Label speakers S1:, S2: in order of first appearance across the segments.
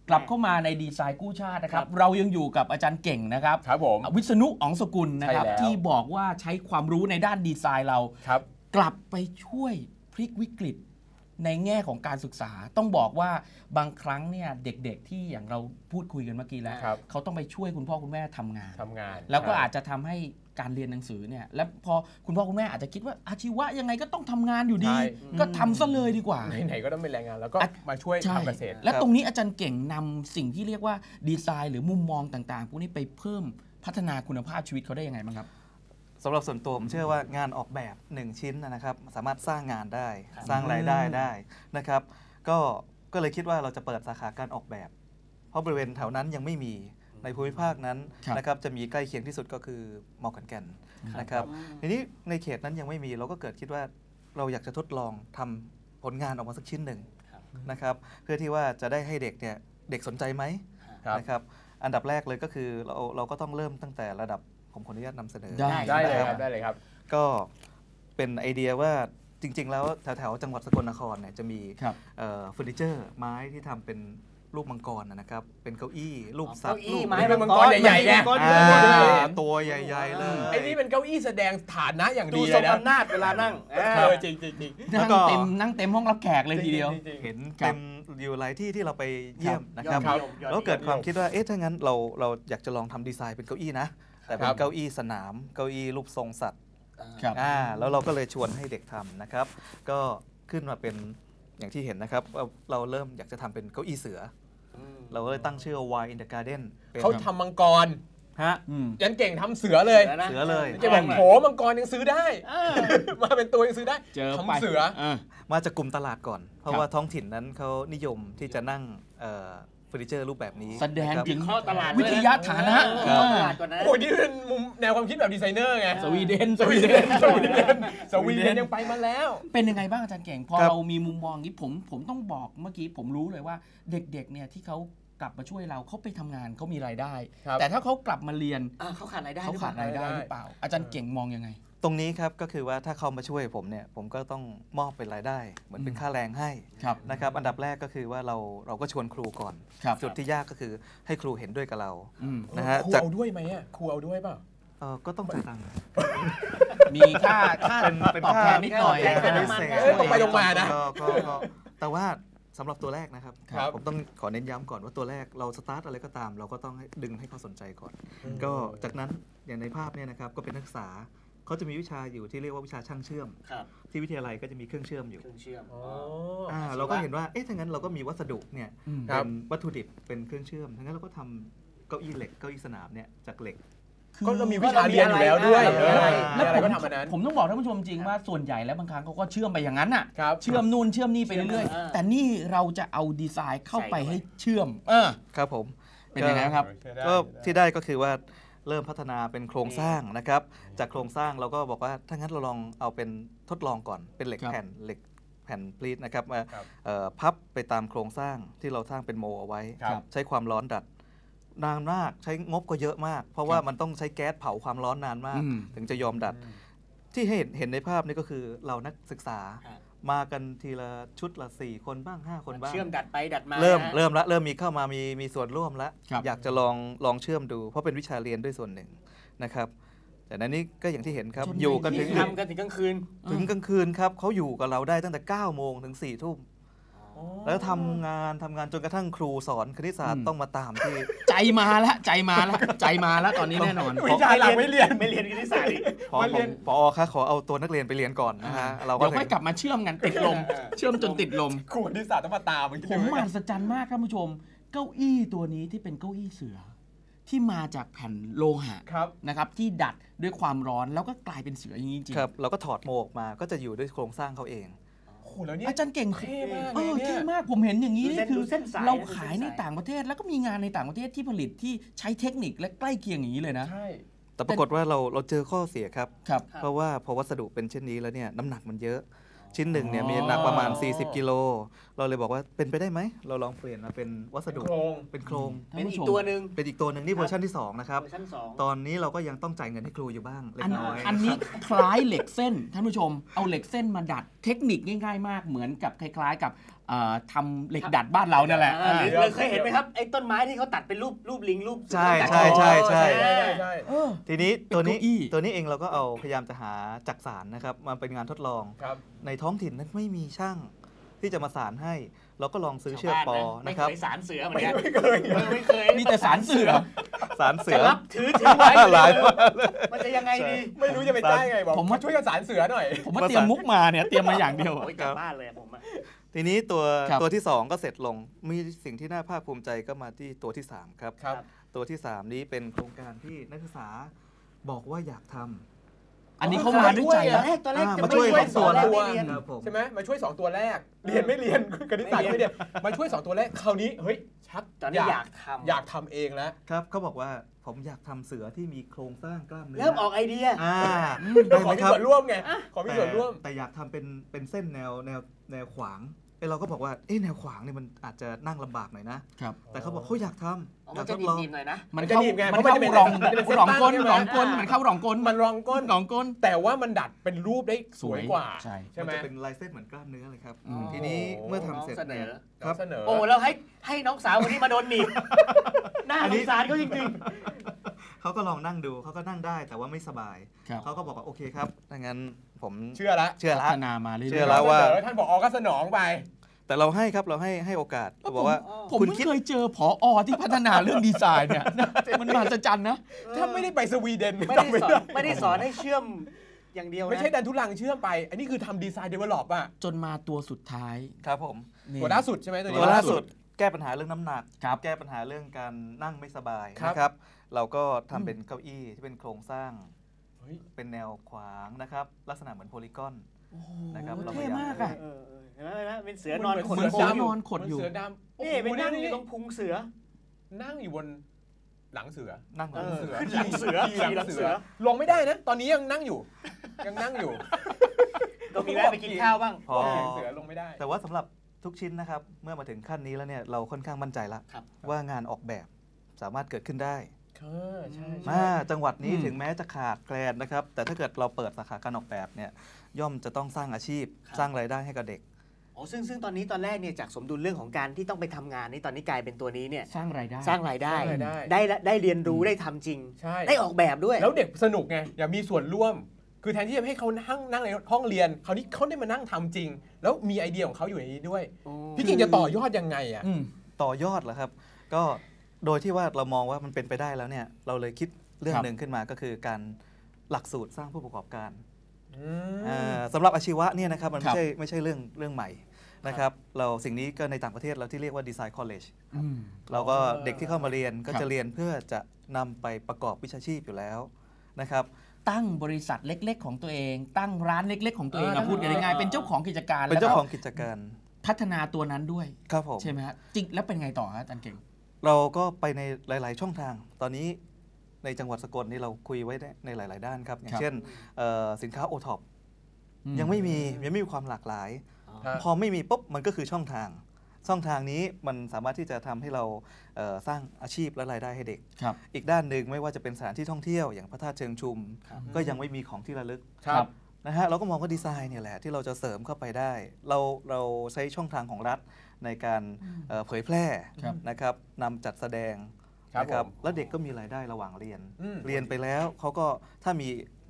S1: กลับเข้ามาในดีไซน์กู้ชาตินะครับเรายังอยู่กับอาจารย์เก่งนะครับ
S2: ครับผม
S1: วิษณุอ๋องสกุลนะครับที่บอกว่าใช้ความรู้ในด้านดีไซน์เรากลับไปช่วยพลิกวิกฤตในแง่ของการศึกษาต้องบอกว่าบางครั้งเนี่ยเด็กๆที่อย่างเราพูดคุยกันเมื่อกี้แล้วเขาต้องไปช่วยคุณพ่อคุณแม่ทำงานแล้วก็อาจจะทำให้การเรียนหนังสือเนี่ยแล้วพอคุณพ่อคุณแม่อาจจะคิดว่าอาชีวะยังไงก็ต้องทำงานอยู่ดีก็ทำซะเลยดีกว่า
S2: ไหนๆก็ต้องเป็นแรงงานแล้วก็มาช่วยทำเกษตร
S1: และตรงนี้อาจารย์เก่งนำสิ่งที่เรียกว่าดีไซน์หรือมุมมองต่างๆพวกนี้ไปเพิ่มพัฒนาคุณภาพชีวิตเขาได้ยังไงบ้างครับ
S3: สำหรับส่วนตัวผมเชื่อว่างานออกแบบ1ชิ้นนะครับสามารถสร้างงานได้สร้างรายได้ได้นะครับก็เลยคิดว่าเราจะเปิดสาขาการออกแบบเพราะบริเวณแถวนั้นยังไม่มีในภูมิภาคนั้นนะครับจะมีใกล้เคียงที่สุดก็คือมอขอนแก่นนะครับทีนี้ในเขตนั้นยังไม่มีเราก็เกิดคิดว่าเราอยากจะทดลองทำผลงานออกมาสักชิ้นหนึ่งนะครับเพื่อที่ว่าจะได้ให้เด็กเนี่ยเด็กสนใจไหมนะครับอันดับแรกเลยก็คือเราก็ต้องเริ่มตั้งแต่ระดับผมขออนุญาตนำเสนอ
S2: ได้เลยครับ
S3: ก็เป็นไอเดียว่าจริงๆแล้วแถวๆจังหวัดสกลนครเนี่ยจะมีเฟอร์นิเจอร์ไม้ที่ทำเป็นรูปมังกรนะครับเป็นเก้าอี้รูปสัตว์
S2: ไม้เป็นมังกรใหญ่ๆไง
S3: ตัวใหญ่ๆเลย
S2: ไอ้นี่เป็นเก้าอี้แสดงฐานะอย่างดี
S4: เลยนะดูทรงอำนาจเวลานั่ง
S2: จริง
S1: นั่งเต็มห้องรับแขกเลยทีเดียว
S3: เห็นเต็มอยู่หลายที่ที่เราไปเยี่ยมนะครับแล้วเกิดความคิดว่าถ้างั้นเราอยากจะลองทำดีไซน์เป็นเก้าอี้นะแต่เป็นเก้าอี้สนามเก้าอี้รูปทรงสัตว์แล้วเราก็เลยชวนให้เด็กทำนะครับก็ขึ้นมาเป็นอย่างที่เห็นนะครับเราเริ่มอยากจะทำเป็นเก้าอี้เสือเราก็เลยตั้งชื่อ Why in the Garden
S2: เขาทำมังกรยันเก่งทำเสือเลยจะบอกโหมังกรยังซื้อได้มาเป็นตัวยังซื้อได้ทำเสือ
S3: มาจากกลุ่มตลาดก่อนเพราะว่าท้องถิ่นนั้นเขานิยมที่จะนั่งเฟอร์นิเจอร์รูปแบบนี้
S1: แสดงถึง
S4: ข้อตลาด
S1: วิทยาฐานะ
S2: โอ้ยนี่เป็นมุมแนวความคิดแบบดีไซเนอร์ไง
S1: สวีเดน
S2: ยังไปมาแล้ว
S1: เป็นยังไงบ้างอาจารย์เก่งพอเรามีมุมมองนี้ผมต้องบอกเมื่อกี้ผมรู้เลยว่าเด็กๆเนี่ยที่เขากลับมาช่วยเราเขาไปทำงานเขามีรายได้แต่ถ้าเขากลับมาเรียน
S4: เขาขาดรายได้
S1: หรือเปล่าอาจารย์เก่งมองยังไง
S3: ตรงนี้ครับก็คือว่าถ้าเขามาช่วยผมเนี่ยผมก็ต้องมอบเป็นรายได้เหมือนเป็นค่าแรงให้นะครับอันดับแรกก็คือว่าเราก็ชวนครูก่อนจุดที่ยากก็คือให้ครูเห็นด้วยกับเรา
S2: นะฮะครูเอาด้วยไหมครูเอาด้วยเปล่า
S3: ก็ต้องจ่ายตังค์
S1: มีค่าตอบแทนนิดหน่อย
S2: ตรงไปตรงมานะ
S3: แต่ว่าสำหรับตัวแรกนะครับผมต้องขอเน้นย้ำก่อนว่าตัวแรกเราสตาร์ทอะไรก็ตามเราก็ต้องดึงให้เขาสนใจก่อนก็จากนั้นอย่างในภาพเนี่ยนะครับก็เป็นนักศึกษาเขาจะมีวิชาอยู่ที่เรียกว่าวิชาช่างเชื่อมที่วิทยาลัยก็จะมีเครื่องเชื่อมอยู่เราก็เห็นว่าถ้างั้นเราก็มีวัสดุเนี่ยเป็นวัตถุดิบเป็นเครื่องเชื่อมทั้งนั้นเราก็ทำเก้าอี้เหล็กเก้าอี้สนามเนี่ยจากเหล็ก
S2: ก็เรามีวิชาเรียนอยู่แล้วด้วย
S1: แล้วผมต้องบอกท่านผู้ชมจริงว่าส่วนใหญ่แล้วบางครั้งเขาก็เชื่อมไปอย่างนั้นน่ะเชื่อมนู่นเชื่อมนี่ไปเรื่อยๆแต่นี่เราจะเอาดีไซน์เข้าไปให้เชื่อม
S3: ครับผม
S1: เป็นยังไงครับ
S3: ก็ที่ได้ก็คือว่าเริ่มพัฒนาเป็นโครงสร้างนะครับจากโครงสร้างเราก็บอกว่าถ้างั้นเราลองเอาเป็นทดลองก่อนเป็นเหล็กแผ่นพลีทนะครับมาพับไปตามโครงสร้างที่เราสร้างเป็นโมเอาไว้ใช้ความร้อนดัดนานมากใช้งบก็เยอะมากเพราะว่ามันต้องใช้แก๊สเผาความร้อนนานมากถึงจะยอมดัดที่เห็นในภาพนี้ก็คือเรานักศึกษามากันทีละชุดละ4 คนบ้าง5 คนบ้าง
S4: เชื่อมดัดไปดัดมา
S3: เริ่มมีเข้ามามีส่วนร่วมแล้วอยากจะลองเชื่อมดูเพราะเป็นวิชาเรียนด้วยส่วนหนึ่งนะครับแต่นั้นนี่ก็อย่างที่เห็นครับอยู่กันถึง
S4: ทำกันถึงกลางคื
S3: นครับเขาอยู่กับเราได้ตั้งแต่9 โมงถึง4 ทุ่มแล้วทำงานจนกระทั่งครูสอนคณิตศาสตร์ต้องมาตามที่
S1: ใจมาแล้วตอนนี้แน่นอน
S2: วิชาหลักไม่เรียน
S4: คณิตศาสตร์
S3: พอคะขอเอาตัวนักเรียนไปเรียนก่อนนะฮะ
S1: เราก็ค่อยกลับมาเชื่อมกันติดลมเชื่อมจนติดลม
S2: ครูคณิตศาสตร์ต้องมาตาม
S1: ผมมหัศจรรย์มากท่านผู้ชมเก้าอี้ตัวนี้ที่เป็นเก้าอี้เสือที่มาจากแผ่นโลหะนะครับที่ดัดด้วยความร้อนแล้วก็กลายเป็นเสืออย่างนี้จริง
S3: ครับเราก็ถอดโมออกมาก็จะอยู่ด้วยโครงสร้างเขาเอง
S1: อาจารย์เก่งเท่มากเท่มากผมเห็นอย่างนี้นี่คือเราขายในต่างประเทศแล้วก็มีงานในต่างประเทศที่ผลิตที่ใช้เทคนิคและใกล้เคียงอย่างนี้เลยนะ
S3: แต่ปรากฏว่าเราเจอข้อเสียครับเพราะว่าพอวัสดุเป็นเช่นนี้แล้วเนี่ยน้ำหนักมันเยอะชิ้นหนึ่งเนี่ยมีหนักประมาณ40 กิโลเราเลยบอกว่าเป็นไปได้ไหมเราลองเปลี่ยนมาเป็นวัสดุเป็นโครง
S4: เป็นอีกตัวหนึ่ง
S3: นี่เวอร์ชันที่2นะครับตอนนี้เราก็ยังต้องจ่ายเงินให้ครูอยู่บ้างเล็กน้อย
S1: อันนี้คล้ายเหล็กเส้นท่านผู้ชมเอาเหล็กเส้นมาดัดเทคนิคง่ายๆมากเหมือนกับคล้ายๆกับทำเหล็กดัดบ้านเราเนี่ยแหละ
S4: หรือเคยเห็นไหมครับไอ้ต้นไม้ที่เขาตัดเป็นรูปลิงรูป
S3: ใช่
S4: ตัด
S3: ใช่ใช่ใช่ ทีนี้ตัว
S1: เป็นเก้าอี้
S3: นี้เองเราก็เอาพยายามจะหาจักสานนะครับมาเป็นงานทดลอง ในท้องถิ่นนั้นไม่มีช่างที่จะมาสานให้ เราก็ลองซื้อเชือกปอนะครับ
S4: ไม่เคยสารเสือเหมือนกัน
S2: ไม่เคย
S1: มีแต่สารเสือ
S3: สารเสื
S4: จะ
S3: อ
S4: รับถือไว้
S3: หลายมากเลย
S4: มันจะยังไงดี
S2: ไม่รู้จะไปได้ไงบอก
S1: ผมว่า
S2: ช่วยกันสารเสือหน่อย
S1: ผมว่าเตรียมมุกมาเนี่ยเตรียมมาอย่างเดียวอะ
S4: โอ้ยกลับบ้านเลยผมอะ
S3: ทีนี้
S1: ครั
S3: ตัว
S1: บ
S3: ที่ 2 ก็เสร็จลง มีสิ่งที่น่าภาคภูมิใจก็มาที่ตัวที่ 3 ครับ
S2: ครับ
S3: ตัวที่ 3 นี้เป็นโครงการที่นักศึกษาบอกว่าอยากทำ
S1: อันนี้เขามาด้วยใจ
S4: ตอ
S1: นะ
S4: นแรกจะ
S3: มา
S4: ไม่
S3: ช่วย
S4: ช่วย
S3: สอน
S4: แรก
S2: ตัว
S4: ไม่เรียน
S3: ครับผม
S2: ใช่ไหมมาช่วย 2 ตัวแรก เรียนไม่เรียนคณิตศาสตร์ไม่เรียนมาช่วย 2 ตัวแรกคราวนี้เฮ้ยชัก
S4: ตอนนี้อยากทำ
S2: อยากทำเองแล้ว
S3: ครับเขาบอกว่าผมอยากทำเสือที่มีโครงสร้างกล้ามเนื้
S4: เริ่มออกไอเดีย
S3: ได้
S2: ข
S3: ไห
S2: อ
S3: ม
S2: มี
S3: ครับ
S2: ส่วนร่วมไงขอมีส่วนร่วม
S3: แต่อยากทำเป็นเส้นแนวขวางเราก็บอกว่าแนวขวางเนี่ยมันอาจจะนั่งลำบากหน่อยนะ
S1: ครับ
S3: แต่เขาบอกเขาอยากทำอ
S4: มั
S3: ยาน ก
S4: จะ
S3: ทดลอง
S4: ดีๆหน่อยนะ
S1: มัน
S2: จะ
S1: เข้า
S2: หนีบไง
S1: มัน
S2: เพราะ
S1: เข้า
S2: มันจะเป็น
S1: รอง
S2: เป็นเส้น
S1: รองก้น
S2: ตั้งใช่ไหม
S1: รองก้นมันเข้ารองก้น
S2: มันรองก้น
S1: รองก้น
S2: แต่ว่ามันดัดเป็นรูปได้สวยกว่า
S1: ใช่
S2: ใช่ไหม
S3: มันจะเป็นลายเส้นเหมือนกล้ามเนื้อเลยครับ
S1: อืม
S3: ทีนี้เมื่อทำเสร็จ
S4: น้องเสนอ
S3: เนี่ย
S2: ครับ เสนอ
S4: โอ้แล้วให้น้องสาวคนนี้มาโดนหนีบหน้าสงสารเขาจริง
S3: เขาก็ลองนั่งดูเขาก็นั่งได้แต่ว่าไม่สบาย
S1: ครับ
S3: เขาก็บอกว่าโอเคครับถ้างั้นผม
S2: เชื่อละ
S3: เชื่อ
S1: พั
S3: ละ
S1: ฒนามาเรื่อยๆ
S3: เชื่อแล้วว่า
S2: เสนอท่านบอกก็สนองไป
S3: แต่เราให้ครับเราให้โอกาส
S1: ผม
S3: บอกว่า
S1: ผม
S3: คุณ
S1: ไม่
S3: คิด
S1: เคยเจอผอที่พัฒนาเรื่องดีไซน์เนี่ย มันมหัศจรรย์นะ
S2: ถ้าไม่ได้ไปสวีเดน
S4: ๆ ไม่ได้สอนให้เชื่อมอย่างเดียวนะ
S2: ไม่ใช่ดันทุลังเชื่อมไป อันนี้คือทำดีไซน์เดเวลลอปอะ
S1: จนมาตัวสุดท้าย
S3: ครับผม
S1: นี่
S2: ตัวล่าสุดใช่ไหมตัวนี้
S3: ตัวล่าสุดแก้ปัญหาเรื่องน้ำหนัก
S1: ครับ
S3: แก้ปัญหาเรื่องการนั่งไม่สบาย
S2: ครับ
S3: นะครับ เราก็ทำเป็นเก้าอี้ที่เป็นโครงสร้าง
S2: เฮ้ย
S3: เป็นแนวขวางนะครับ ลักษณะเหมือนโพลีกอน นะครับ
S1: โอ้
S3: เรา
S1: เท่มากอะ
S4: เห็นไหมเป็นเสือนอนขด
S1: เหมือน
S4: โค้
S1: เสื
S4: ง
S1: อ
S4: อยู่
S1: นอนขดอยู่
S2: เสือดำโอ้
S4: นี่
S2: โห
S4: เป็นนั่งอ
S2: นี่
S4: ยู่ตรงพุงเสือ
S2: นั่งอยู่บนหลังเสือ
S3: นั่งบน
S2: เสือ
S4: ขึ้นหลังเสือ
S2: ขี่หลัง
S4: ขี่หลังเสื
S2: เสือ
S4: อ
S2: ลงไม่ได้นะ ตอนนี้ยังนั่งอยู่ ยังนั่งอยู่
S4: ก็มีแวะไปกินข้าวบ้าง
S3: พอ
S2: ขี่หลังเสือลงไม่ได้
S3: แต่ว่าสำหรับทุกชิ้นนะครับ เมื่อมาถึงขั้นนี้แล้วเนี่ยเราค่อนข้างมั่นใจแล้ว
S4: ครับ
S3: ว่างานออกแบบสามารถเกิดขึ้นได้
S2: ใช่
S3: จังหวัดนี้
S1: อืม
S3: ถึงแม้จะขาดแคลนนะครับ แต่ถ้าเกิดเราเปิดสาขาการออกแบบเนี่ยย่อมจะต้องสร้างอาชีพ
S4: ครับ
S3: สร้างรายได้ให้กับเด็ก
S4: โอ้ซึ่งตอนนี้ตอนแรกเนี่ยจากสมดุลเรื่องของการที่ต้องไปทำงานนี่ตอนนี้กลายเป็นตัวนี้เนี่ย
S1: สร้างรายได้
S4: สร้างรายได้
S2: สร้างรายได้
S4: ได้เรียนรู้ได้ทำจริง
S2: ใช่
S4: ได้ออกแบบด้วย
S2: แล้วเด็กสนุกไง อยากมีส่วนร่วม คือแทนที่จะให้เขานั่งในห้องเรียน คราวนี้เขาได้มานั่งทำจริง แล้วมีไอเดียของเขาอยู่ในนี้ด้วย พี่กิ่งจะต่อยอดยังไงอ่ะ
S1: อืม
S3: ต่อยอดเหรอครับ ก็โดยที่ว่าเรามองว่ามันเป็นไปได้แล้วเนี่ยเราเลยคิดเรื่อง
S1: ครับ
S3: หนึ่งขึ้นมาก็คือการหลักสูตรสร้างผู้ประกอบการ
S2: อืม
S3: สำหรับอาชีวะเนี่ยนะครับมัน
S1: ครับ
S3: ไม่ใช่เรื่องใหม่นะครับเราสิ่งนี้ก็ในต่างประเทศเราที่เรียกว่าดีไซน์คอลเลจ
S1: อืม
S3: เราก็เด็กที่เข้ามาเรียนก็
S1: ครับ
S3: จะเรียนเพื่อจะนำไปประกอบวิชาชีพอยู่แล้วนะครับ
S1: ตั้งบริษัทเล็ก ๆ ของตัวเอง ตั้งร้านเล็ก ๆ ของตัวเอง
S2: อ่า
S1: พูดกันง่ายๆเป็นเจ้าของกิจการ
S3: เป็นเจ้า
S1: แล้วก็
S3: ของกิจการ
S1: พัฒนาตัวนั้นด้วย
S3: ครับผม
S1: ใช่ไหมฮะจริงแล้วเป็นไงต่อฮะอาจารย์เก่ง
S3: เราก็ไปในหลาย ๆ ช่องทาง ตอนนี้ในจังหวัดสกลนี่เราคุยไว้ในหลาย ๆ ด้านครับ อย่างเช่นสินค้าโอท็อปยังไม่มีความหลากหลาย
S2: ครับ
S3: พอไม่มีปุ๊บมันก็คือช่องทางนี้มันสามารถที่จะทำให้เราสร้างอาชีพและรายได้ให้เด็ก
S1: ครับ
S3: อีกด้านหนึ่งไม่ว่าจะเป็นสถานที่ท่องเที่ยวอย่างพระธาตุเชิงชุม
S4: ครับ
S3: ก็ยังไม่มีของที่ระลึก
S2: ครับ
S3: นะฮะเราก็มองว่าดีไซน์เนี่ยแหละที่เราจะเสริมเข้าไปได้ เราใช้ช่องทางของรัฐในการเผยแพร่
S1: ครับ
S3: นะครับนำจัดแสดง
S2: ครับ
S3: นะครับ
S2: ผม
S3: แล้วเด็กก็มีรายได้ระหว่างเรียน
S2: อืม
S3: เรียนไปแล้วเขาก็ถ้ามี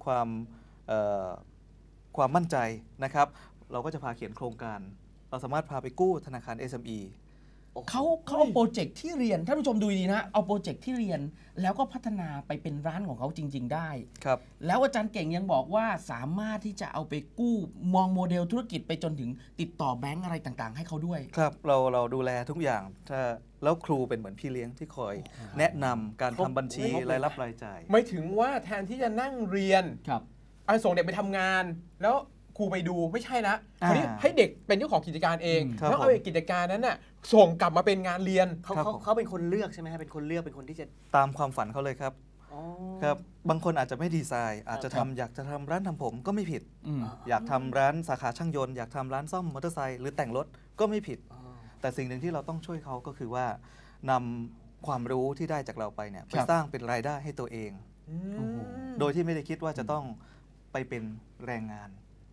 S3: ความมั่นใจนะครับ เราก็จะพาเขียนโครงการ เราสามารถพาไปกู้ธนาคาร SME
S1: เขาเอาโปรเจกต์ที่เรียนท่านผู้ชมดูดีนะเอาโปรเจกต์ที่เรียนแล้วก็พัฒนาไปเป็นร้านของเขาจริง ๆ ได้
S3: ครับ
S1: แล้วอาจารย์เก่งยังบอกว่าสามารถที่จะเอาไปกู้มองโมเดลธุรกิจไปจนถึงติดต่อแบงก์อะไรต่างๆ ให้เขาด้วย
S3: ครับเราดูแลทุกอย่างถ้าแล้วครูเป็นเหมือนพี่เลี้ยงที่คอยแนะนำการทำบัญชีรายรับรายจ่าย
S2: ไม่ถึงว่าแทนที่จะนั่งเรียน
S1: ครับ
S2: เอาส่งเด็กไปทำงาน แล้วครูไปดูไม่ใช่ละคราวนี้ให้เด็กเป็นเจ้าของกิจการเอง
S3: ครับ
S2: แล้วเอากิจการนั้นน่ะส่งกลับมาเป็นงานเรียน
S4: เขาเป็นคนเลือกใช่ไหมฮะเป็นคนเลือกเป็นคนที่จะ
S3: ตามความฝันเขาเลยครับ
S4: อ๋อ
S3: ครับบางคนอาจจะไม่ดีไซน์ อาจจะ
S1: ครั
S3: ทำ
S1: บ
S3: อยากจะทำร้านทำผมก็ไม่ผิด
S1: อืม
S3: อยากทำร้านสาขาช่างยนต์อยากทำร้านซ่อมมอเตอร์ไซค์หรือแต่งรถก็ไม่ผิด
S4: อ๋อ
S3: แต่สิ่งหนึ่งที่เราต้องช่วยเขาก็คือว่านำความรู้ที่ได้จากเราไปเนี่ยไป
S1: ครับ
S3: สร้างเป็นรายได้ให้ตัวเอง
S1: โอ้โห
S3: โดยที่ไม่ได้คิดว่าจะต้องไปเป็นแรงงาน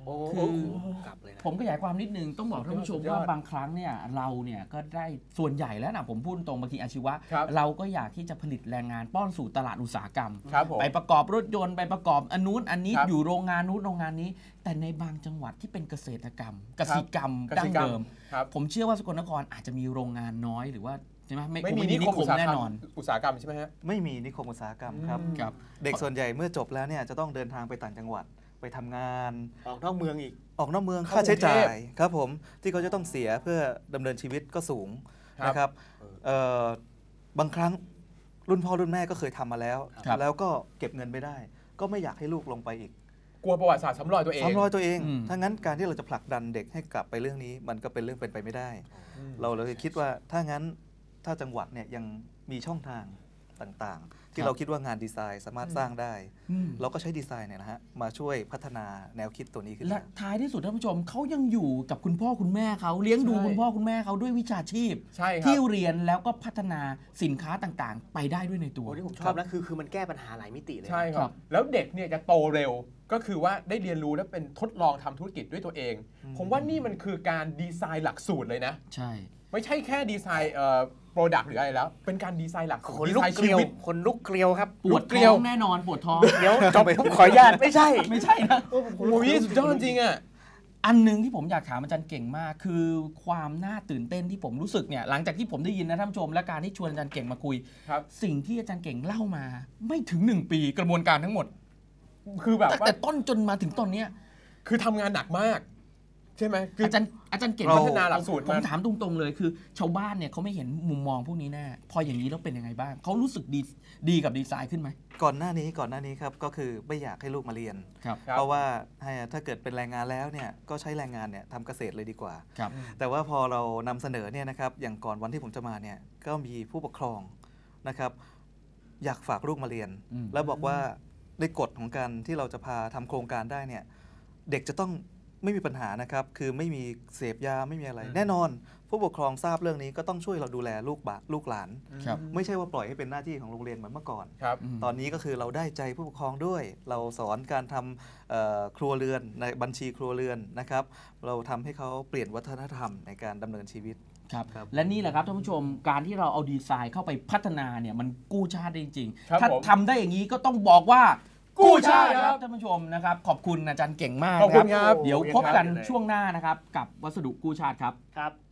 S4: โอ้
S1: คือ
S4: กลับเลยนะ
S1: ผมขยายความนิดนึงต้องบอกท่านผู้ชม
S2: สุดยอด
S1: ว่าบางครั้งเนี่ยเราเนี่ยก็ได้ส่วนใหญ่แล้วนะผมพูดตรงบางทีอาชีวะ
S2: ครับ
S1: เราก็อยากที่จะผลิตแรงงานป้อนสู่ตลาดอุตสาหกรรม
S2: ครับผม
S1: ไปประกอบรถยนต์ไปประกอบอันนู้นอันนี้
S2: ครับ
S1: อยู่โรงงานนู้นโรงงานนี้ แต่ในบางจังหวัดที่เป็นเกษตรกรรมกสิกรรม
S2: ก
S1: ดั้
S2: สิ
S1: ง
S2: กรรม
S1: เดิม
S2: ครับ
S1: ผมเชื่อว่าสกลนครอาจจะมีโรงงานน้อยหรือว่าใช่ไหม
S2: ไม่มี
S1: คง
S2: นิคมอุตสาห
S1: แน่
S2: กรร
S1: น
S2: ม
S1: อน
S2: อุตสาหกรรมใช่ไหมฮะ
S3: ไม่มีนิคมอุตสาหกรรมครับ
S1: ครับ
S3: เด็กส่วนใหญ่เมื่อจบแล้วเนี่ยจะต้องเดินทางไปต่างจังหวัดไปทำงาน
S4: ออกนอกเมืองอีก
S3: ออกนอกเมือง
S2: เข้า
S3: ค่าใช้จ่าก
S2: รุงเท
S3: ย
S2: พ
S3: ครับผมที่เขาจะต้องเสียเพื่อดำเนินชีวิตก็สูง
S2: ครับ
S3: นะครับบางครั้งรุ่นพ่อรุ่นแม่ก็เคยทำมาแล้ว
S1: ครับ
S3: แล้วก็เก็บเงินไม่ได้ ก็ไม่อยากให้ลูกลงไปอีก
S2: กลัวประวัติศาสตร์ซ้ำรอยตัวเอง
S3: ซ้ำรอยตัวเอง
S1: อืม
S3: ถ้างั้นการที่เราจะผลักดันเด็กให้กลับไปเรื่องนี้ มันก็เป็นเรื่องเป็นไปไม่ได้
S2: อืม
S3: เราเลยคิดว่าถ้างั้นถ้าจังหวัดเนี่ยยังมีช่องทางต่างๆ ที่
S1: ครับ
S3: เราคิดว่างานดีไซน์สามารถสร้างได้
S1: อืม
S3: เราก็ใช้ดีไซน์เนี่ยนะฮะมาช่วยพัฒนาแนวคิดตัวนี้ขึ้น
S1: และ
S3: มา
S1: ท้ายที่สุดท่านผู้ชมเขายังอยู่กับคุณพ่อคุณแม่เขาเลี้ยงดู
S2: ใช่
S1: คุณพ่อคุณแม่เขาด้วยวิชาชีพ
S2: ใช่ครับ
S1: ที่เรียนแล้วก็พัฒนาสินค้าต่างๆ ไปได้ด้วยในตัว
S4: โอ้ที่ผมชอบนะคือมันแก้ปัญหาหลายมิติเลยนะ
S2: ใช่ค
S1: ครั
S2: รับ
S1: บ
S2: แล้วเด็กเนี่ยจะโตเร็วก็คือว่าได้เรียนรู้และเป็นทดลองทำธุรกิจด้วยตัวเอง ผมว่านี่มันคือการดีไซน์หลักสูตรเลยนะ
S1: ใช่
S2: ไม่ใช่แค่ดีไซน์โปรดักต์หรืออะไรแล้ว เป็นการดีไซน์หลักสูตร
S4: คน
S2: ดี
S4: ลุก
S2: ไซน์
S4: เก
S2: ชี
S4: ลียว
S2: วิต
S4: คนลุกเกลียวครับ
S1: ปวด
S2: เกลี
S1: ท้
S2: ยว
S1: องแน่นอนปวดท้อง
S4: เดี๋ยวจบผมขออนุญาตไม่ใช่
S1: ไม่ใช่นะ
S2: โอ้โหนี่สุดยอดจริงอ่ะ
S1: อันหนึงที่ผมอยากถามอาจารย์เก่งมาก คือความน่าตื่นเต้นที่ผมรู้สึกเนี่ยหลังจากที่ผมได้ยินนะท่านผู้ชมและการที่ชวนอาจารย์เก่งมาคุย
S2: ครับ
S1: สิ่งที่อาจารย์เก่งเล่ามา ไม่ถึง 1 ปีกระบวนการทั้งหมด
S2: คือแบบว่า
S1: แต่ต้นจนมาถึงตอนเนี้ย
S2: คือทำงานหนักมาก ใช่ไหมคือ
S1: อาจารย์เก่ง
S2: พัฒนาหลักสูตร
S1: ผม
S2: มา
S1: ถามตรงๆเลยคือ ชาวบ้านเนี่ยเขาไม่เห็นมุมมองพวกนี้แน่พออย่างนี้แล้วเป็นยังไงบ้างเขารู้สึกดีกับดีไซน์ขึ้นไหม
S3: ก่อนหน้านี้ครับก็คือไม่อยากให้ลูกมาเรียน
S1: ครับ
S2: ครับ
S3: เพราะว่าถ้าเกิดเป็นแรงงานแล้วเนี่ยก็ใช้แรงงานเนี่ยทำเกษตรเลยดีกว่า
S1: ครับ
S3: แต่ว่าพอเรานำเสนอเนี่ยนะครับอย่างก่อนวันที่ผมจะมาเนี่ยก็มีผู้ปกครองนะครับอยากฝากลูกมาเรียน
S1: อืม
S3: แล้วบอกว่าในกฎของการที่เราจะพาทำโครงการได้เนี่ยเด็กจะต้องไม่มีปัญหานะครับคือไม่มีเสพยาไม่มีอะไร แน่นอนผู้ปกครองทราบเรื่องนี้ก็ต้องช่วยเราดูแลลูกหลาน
S1: ครับ
S3: ไม่ใช่ว่าปล่อยให้เป็นหน้าที่ของโรงเรียนเหมือนเมื่อก่อน
S2: ครับ
S3: ตอนนี้ก็คือเราได้ใจผู้ปกครองด้วย เราสอนการทำครัวเรือนในบัญชีครัวเรือนนะครับ เราทำให้เขาเปลี่ยนวัฒนธรรมในการดำเนินชีวิต
S1: ครับ
S3: ครับ
S1: และนี่แหละครับท่านผู้ชมการที่เราเอาดีไซน์เข้าไปพัฒนาเนี่ยมันกู้ชาติได้จริง
S2: ครับ
S1: ๆถ้า
S2: ผม
S1: ทำได้อย่างนี้ก็ต้องบอกว่า
S2: กู้ชาติ
S1: ค
S2: ครั
S1: รับบ ท่านผู้ชมนะครับขอบคุณอาจารย์เก่งมาก
S2: ขอบคุณครับ
S1: เดี๋ยวพบกัน
S4: เยี่ยมครับ
S1: ช่วงหน้านะครับกับวัสดุกู้ชาติครับ
S4: ครับ